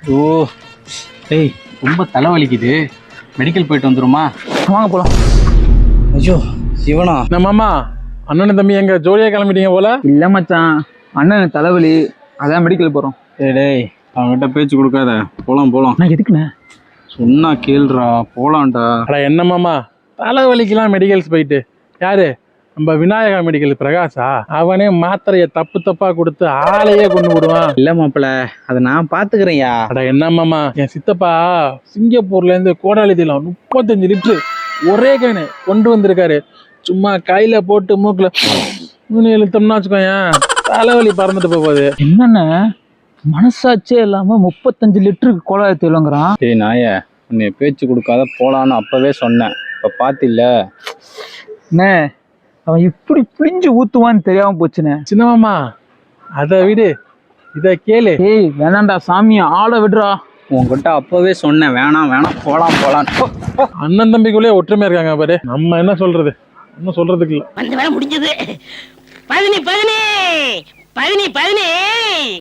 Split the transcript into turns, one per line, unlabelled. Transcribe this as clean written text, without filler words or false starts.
ஓ டேய், ரொம்ப தலைவலிக்குது. மெடிக்கல் போயிட்டு வந்துருமா?
வாங்க போலாம்.
ஐயோ சிவனா,
நம்ம அம்மா அண்ணன் தம்பி எங்க ஜோலியா கிளம்பிட்டீங்க போல.
இல்ல மச்சான், அண்ணன் தலைவலி, அதான் மெடிக்கல் போறோம்.
டேய் அவன்கிட்ட பேச்சு கொடுக்காத. போலாம் போலாம்.
நான் எதுக்குண்ணே?
சொன்னா கேளுடா, போலாம்டா.
அட என்னமாமா தலைவலிக்கெல்லாம் மெடிக்கல்ஸ் போயிட்டு யாரு? நம்ம விநாயகா மெடிக்கல் பிரகாஷா? அவனே மாத்திரையை தப்பு தப்பா கொடுத்து ஆளையே கொண்டு விடுவான்.
இல்ல மாப்பிள்ள, அதை நான் பாத்துக்கிறேன்யா.
அட என்னமாமா, என் சித்தப்பா சிங்கப்பூர்ல இருந்து கோடாலிதில 35 லிட்டரு ஒரே கேனு கொண்டு வந்திருக்காரு. சும்மா கையில போட்டு மூக்குல இழுத்தோம்னா வச்சுக்கோயேன், தலைவலி பறந்துட்டு போகுது.
என்னண்ணே மனசாட்சியே இல்லாம 35 லிட்டருக்கு கோலாய தேலுங்கிறான்.
டேய் நாய, உன்னை பேச்சு கொடுக்காத போலான்னு அப்பவே சொன்னேன். இப்ப பாத்தில்ல.
அண்ணே அவன் இப்படி பிழிஞ்சு ஊத்துவான்னு தெரியாம போச்சுண்ணே.
சின்னமாமா அதை விடு, இதை கேளு.
ஏய் வேணாண்டா சாமி, ஆளை விடுறா.
உன்கிட்ட அப்பவே சொன்னேன், வேணாம் வேணாம், போலாம் போலாம்.
அண்ணன் தம்பிக்குள்ளே ஒற்றுமையா இருக்காங்க பாரு. நம்ம என்ன சொல்றது, ஒன்னும் சொல்றதுக்கு இல்ல.
வந்து வேலை முடிஞ்சது. 10